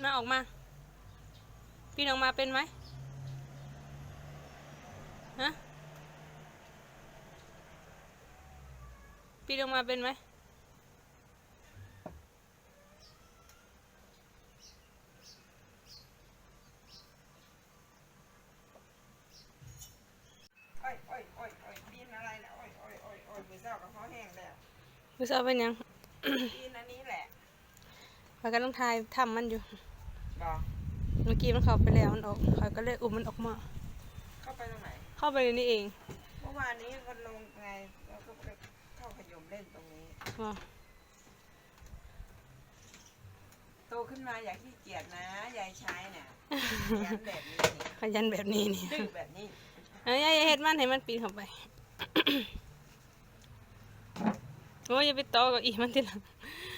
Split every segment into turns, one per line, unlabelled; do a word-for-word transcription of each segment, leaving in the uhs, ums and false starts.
น่าออกมาปีนออกมาเป็นไหมฮะปีนออกมาเป็นไหม
อ้อยอ้อยอ้อยอ้อยปีนอะไรนะอ้อยอ้อยอ้อยอ้อยมือเศร้ากับเขาแห้งแล้ว
มือเศร้าเป็นยัง
ปีนอันนี้แหละ
พากันต้องทายทำมันอยู่
บอก
เมื่อกี้มันเข้าไปแล้วมันออกเขาก็เลยอุ้มมันออกมา
เข้าไปตรงไหน
เข้าไปในนี้เอง
เมื่อวานนี้มันลงไงแล้วก็ไปเข้าขยมเล่นตรงนี้
อ๋อ
โตขึ้นมาอย่าขี้เกียจนะยายใช้เนี่ยยันแบบนี้นี่
ขยันแบบนี้นี่
ดื้อแบบนี้
เอ้ยอย่าเฮ็ดมันให้มันปีนเข้าไป โอ้ยอย่าไปต่อกับอีมันทีหลัง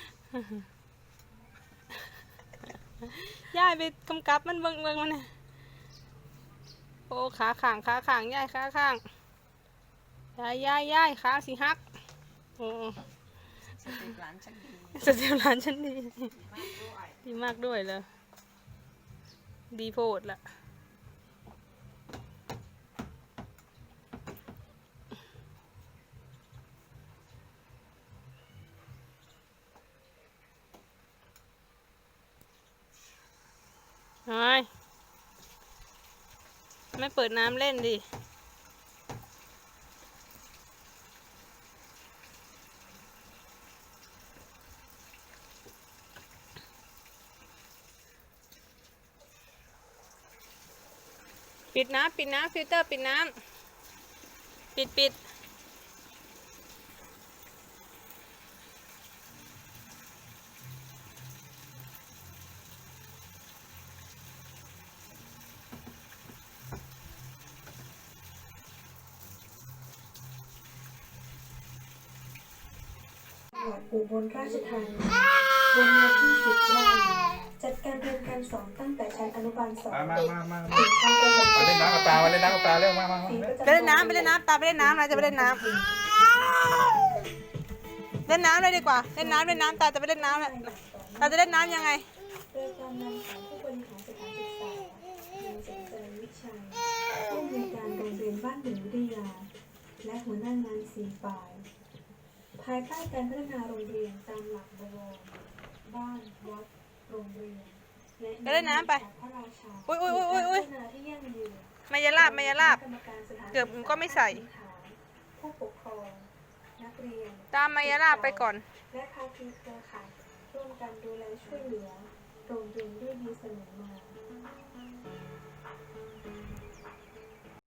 ย่ายไปกำกับมันเบิ่งเบิ่งมันน่ะโอ้ขาข้างขาข้างย่ายขาข้างย่ายย่ายย่ายขาสิหักโอ้
สติหลานฉันดี
สเตลหลานฉันดี
มากด้วย
ดีมากด้วยเลยดีโพดละทำไมไม่เปิดน้ำเล่นดิปิดน้ำปิดน้ำฟิลเตอร์ปิดน้ำปิดปิด
จังหวัดอุบลราชธานีบนเนื้อที่สิบไร่จัดการเรียนการสอนตั้งแต่ชั้นอนุบาลสอง
มามามามา
ถึงชั้นประถม
มาเล่นน้ำกับตามาเล่นน้ำกับตาเร็วมามามา
สีประจำ
ไปเล่นน้ำไปเล่นน้ำตาไปเล่นน้ำนะจะไปเล่นน้ำเล่นน้ำเลยดีกว่าเล่นน้ำเล่นน้ำตาจะไปเล่นน้ำแหละตาจะเล่นน้ำยังไง
โดยการนำของผู้บริหารสถานศึกษาโดยเจริญวิชัยผู้อำนวยการโรงเรียนบ้านหนึ่งวิทยา และหัวหน้างานสี่ฝ่าย ภายใต้การพัฒนาโรงเรียนตามหลักบวรบ้านวัดโรงเรียนและ
ไปเล่นน้ำไป
พระราชา
อุ๊ยอุ๊ยอุ๊ยอุ๊ยอุ๊ย
พัฒนาที่ยั่งยืน
มายาลาบมายาลาบ เกือบก็ไม่ใส่
ผู้ปกครองนักเรียน
ตามมายาลาบไปก่อน
และภาคีเครือข่ายร่วมกันดูแลช่วยเหลือโรงเรียนด้วยดีเสมอมา